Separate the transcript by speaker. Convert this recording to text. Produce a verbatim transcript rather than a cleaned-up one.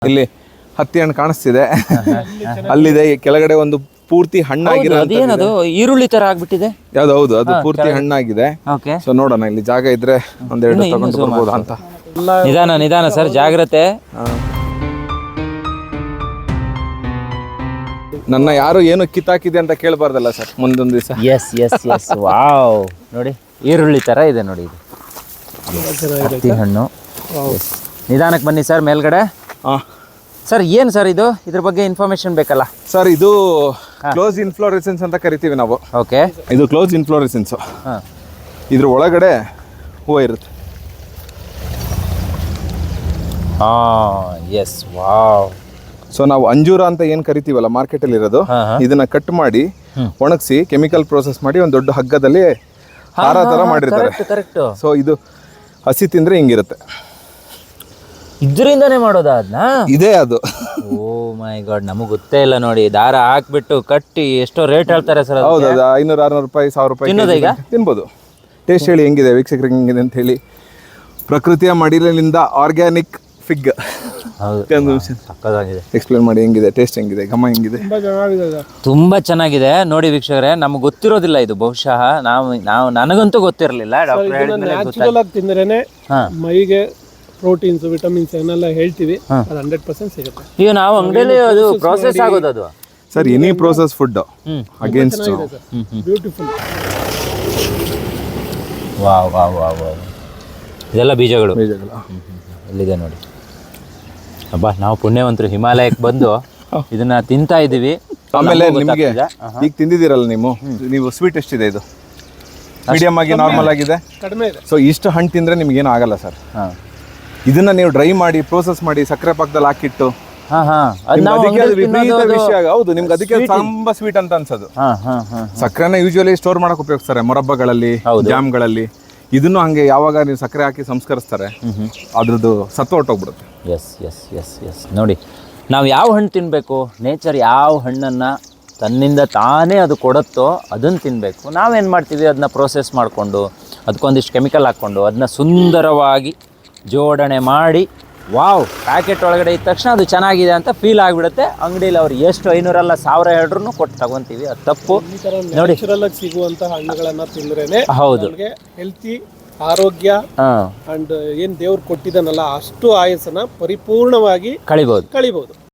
Speaker 1: ಇಲ್ಲಿ ಹತ್ತಿ ಹಣ್ಣು ಕಾಣಿಸ್ತಿದೆ, ಅಲ್ಲಿದೆ ಕೆಳಗಡೆ ಒಂದು ಪೂರ್ತಿ ಹಣ್ಣಾಗಿರೋ
Speaker 2: ಅದೇನದು ಈರುಳ್ಳಿ ತರ ಆಗ್ಬಿಟ್ಟಿದೆ.
Speaker 1: ಯಾವ್ದು? ಹೌದು, ಅದು ಪೂರ್ತಿ ಹಣ್ಣಾಗಿದೆ. ಸೊ ನೋಡೋಣ, ಇಲ್ಲಿ ಜಾಗ ಇದ್ರೆ ಒಂದೆರಡು ತಗೊಂಡು ಬರ್ಬೋದಾ ಅಂತ.
Speaker 2: ನಿಧಾನ ನಿಧಾನ ಸರ್, ಜಾಗ್ರತೆ.
Speaker 1: ನನ್ನ ಯಾರು ಏನು ಕಿತ್ತಾಕಿದೆ ಅಂತ ಕೇಳಬಾರ್ದಲ್ಲ ಸರ್ ಮುಂದೊಂದು ದಿವಸ.
Speaker 2: ಎಸ್ ಎಸ್ ಎಸ್ ವಾವ್, ನೋಡಿ ಈರುಳ್ಳಿ ತರ ಇದೆ ನೋಡಿ ಇದು ಹತ್ತಿ ಹಣ್ಣು. ನಿಧಾನಕ್ಕೆ ಬನ್ನಿ ಸರ್ ಮೇಲ್ಗಡೆ. ಸರ್ ಏನು ಸರ್ ಇದು, ಇದ್ರ ಬಗ್ಗೆ ಇನ್ಫಾರ್ಮೇಶನ್ ಬೇಕಲ್ಲ
Speaker 1: ಸರ್? ಇದು ಕ್ಲೋಸ್ ಇನ್ಫ್ಲೋರೆಸೆನ್ಸ್ ಅಂತ ಕರಿತೀವಿ ನಾವು.
Speaker 2: ಓಕೆ,
Speaker 1: ಇದು ಕ್ಲೋಸ್ ಇನ್ಫ್ಲೋರೆಸೆನ್ಸ್. ಇದ್ರ ಒಳಗಡೆ ಹೂವು ಇರುತ್ತೆ.
Speaker 2: ಹಾಂ, ಎಸ್, ವಾವ್.
Speaker 1: ಸೊ ನಾವು ಅಂಜೂರ ಅಂತ ಏನು ಕರಿತೀವಲ್ಲ ಮಾರ್ಕೆಟಲ್ಲಿ ಇರೋದು, ಇದನ್ನ ಕಟ್ ಮಾಡಿ ಒಣಗಿಸಿ ಕೆಮಿಕಲ್ ಪ್ರೋಸೆಸ್ ಮಾಡಿ ಒಂದು ದೊಡ್ಡ ಹಗ್ಗದಲ್ಲಿ ಹಾರ ಥರ ಮಾಡಿರ್ತಾರೆ. ಸೊ ಇದು ಹಸಿ ತಿಂದರೆ ಹಿಂಗಿರುತ್ತೆ.
Speaker 2: ಇದರಿಂದನೇ ಮಾಡೋದಾ ಅದನ್ನ?
Speaker 1: ಇದೇ ಅದು.
Speaker 2: ಓ ಮೈ ಗಾಡ್, ನಮಗೆ ಗೊತ್ತೇ ಇಲ್ಲ ನೋಡಿ. ದಾರ ಹಾಕ್ಬಿಟ್ಟು ಕಟ್ಟಿ ಎಷ್ಟೋ ರೇಟ್ ಹೇಳ್ತಾರೆ ಸರ್.
Speaker 1: ಹೌದು, ಅದು ಐನೂರು ಆರ್ನೂರು ರೂಪಾಯಿ ಸಾವಿರ ರೂಪಾಯಿ
Speaker 2: ಈಗ
Speaker 1: ತಿನ್ಬೋದು. ಟೇಸ್ಟ್ ಹೇಳಿ ಹೆಂಗಿದೆ ವೀಕ್ಷಕರಿಗೆ, ಹೆಂಗಿದೆ ಅಂತ ಹೇಳಿ. ಪ್ರಕೃತಿಯ ಮಡಿಲಿನಿಂದ ಆರ್ಗ್ಯಾನಿಕ್ ಫಿಗ್.
Speaker 2: ಹೌದು, ಸಕ್ಕತ್ತಾಗಿದೆ.
Speaker 1: ಎಕ್ಸ್ಪ್ಲೇನ್ ಮಾಡಿ ಹೆಂಗಿದೆ, ಟೇಸ್ಟ್ ಹೆಂಗಿದೆ, ಘಮ ಹೆಂಗಿದೆ?
Speaker 2: ತುಂಬಾ ಚೆನ್ನಾಗಿದೆ ನೋಡಿ ವೀಕ್ಷಕರೇ. ನಮ್ಗೆ ಗೊತ್ತಿರೋದಿಲ್ಲ ಇದು, ಬಹುಶಃ ನಾವು ನಾವು ನನಗಂತೂ ಗೊತ್ತಿರಲಿಲ್ಲ.
Speaker 3: ಡಾಕ್ಟರ್ ತಿಂದ್ರೇನೆ ಮೈಗೆ ಪ್ರೋಟೀನ್ಸ್ ವಿಟಮಿನ್ಸ್ ಏನೆಲ್ಲ ಹೇಳ್ತೀವಿ, ಅದು ಹಂಡ್ರೆಡ್ ಪರ್ಸೆಂಟ್ ಸಿಗುತ್ತೆ.
Speaker 2: ಈಗ ನಾವು ಅಂಗಡಿಯಲ್ಲಿ ಅದು ಪ್ರೋಸೆಸ್ ಆಗೋದು ಅದು
Speaker 1: sir. Any process food against
Speaker 3: beautiful.
Speaker 2: Wow wow wow wow, ಇದೆಲ್ಲ ಬೀಜಗಳು.
Speaker 1: ಬೀಜಗಳು
Speaker 2: ಇಲ್ಲಿದೆ ನೋಡಿ. ಅಬ್ಬಾ, ನಾವು ಪುಣ್ಯವಂತರು, ಹಿಮಾಲಯಕ್ಕೆ ಬಂದು ಇದನ್ನ ತಿಂತಾ ಇದೀವಿ.
Speaker 1: ಆಮೇಲೆ ನಿಮಗೆ ಈಗ ತಿಂದಿದ್ದೀರಲ್ಲ ನೀವು, ನೀವು ಸ್ವೀಟ್ ಎಷ್ಟಿದೆ ಇದು? ಮೀಡಿಯಮ್ ಆಗಿ ನಾರ್ಮಲ್ ಆಗಿದೆ,
Speaker 3: ಕಡಿಮೆ ಇದೆ.
Speaker 1: ಸೊ ಇಷ್ಟು ಹಣ್ಣು ತಿಂದರೆ ನಿಮ್ಗೇನು ಆಗಲ್ಲ ಸರ್. ಇದನ್ನ ನೀವು ಡ್ರೈ ಮಾಡಿ ಪ್ರೋಸೆಸ್ ಮಾಡಿ ಸಕ್ಕರೆ ಪಾಕದಲ್ಲಿ ಹಾಕಿಟ್ಟು ವಿಪರೀತ ವಿಷಯ. ಹೌದು, ನಿಮ್ಗೆ ಅದಕ್ಕೆ ತುಂಬಾ ಸ್ವೀಟ್ ಅಂತ ಅನ್ಸೋದು. ಸಕ್ಕರೆನ ಯೂಶುವಲಿ ಸ್ಟೋರ್ ಮಾಡಕ್ ಉಪಯೋಗಿಸ್ತಾರೆ ಮೊರಬ್ಬಗಳಲ್ಲಿ, ಜಾಮ್ಗಳಲ್ಲಿ. ಇದನ್ನು ಹಂಗೆ ಯಾವಾಗ ನೀವು ಸಕ್ಕರೆ ಹಾಕಿ ಸಂಸ್ಕರಿಸ್ತಾರೆ, ಅದ್ರದ್ದು ಸತ್ವ ಹೊಟ್ಟೋಗ್ಬಿಡುತ್ತೆ.
Speaker 2: ಎಸ್ ಎಸ್ ಎಸ್ ಎಸ್ ನೋಡಿ, ನಾವು ಯಾವ ಹಣ್ಣು ತಿನ್ನಬೇಕು, ನೇಚರ್ ಯಾವ ಹಣ್ಣನ್ನು ತನ್ನಿಂದ ತಾನೇ ಅದು ಕೊಡುತ್ತೋ ಅದನ್ನು ತಿನ್ನಬೇಕು. ನಾವೇನು ಮಾಡ್ತೀವಿ, ಅದನ್ನ ಪ್ರೋಸೆಸ್ ಮಾಡಿಕೊಂಡು ಅದಕ್ಕೊಂದಿಷ್ಟು ಕೆಮಿಕಲ್ ಹಾಕ್ಕೊಂಡು ಅದನ್ನ ಸುಂದರವಾಗಿ ಜೋಡಣೆ ಮಾಡಿ, ವಾವ್, ಪ್ಯಾಕೆಟ್ ಒಳಗಡೆ ಇದ್ದ ತಕ್ಷಣ ಅದು ಚೆನ್ನಾಗಿದೆ ಅಂತ ಫೀಲ್ ಆಗಿಬಿಡುತ್ತೆ. ಅಂಗಡಿಯಲ್ಲಿ ಅವ್ರು ಎಷ್ಟು ಐನೂರಲ್ಲ ಸಾವಿರ ಹೇಳ್ರು ಕೊಟ್ಟು ತಗೊಂತೀವಿ, ಅದು ತಪ್ಪು ನೋಡಿ.
Speaker 3: ನ್ಯಾಚುರಲ್ ಆಗಿ ಸಿಗುವಂತ ಹಣ್ಣುಗಳನ್ನ ತಿಂದ್ರೇನೆ
Speaker 2: ಹೌದು
Speaker 3: ಹೆಲ್ತಿ, ಆರೋಗ್ಯ ಅಂಡ್ ಏನ್ ದೇವ್ರು ಕೊಟ್ಟಿದ್ದಾನಲ್ಲ ಅಷ್ಟು ಆಯಸ್ಸನ್ನ ಪರಿಪೂರ್ಣವಾಗಿ
Speaker 2: ಕಳಿಬಹುದು
Speaker 3: ಕಳಿಬಹುದು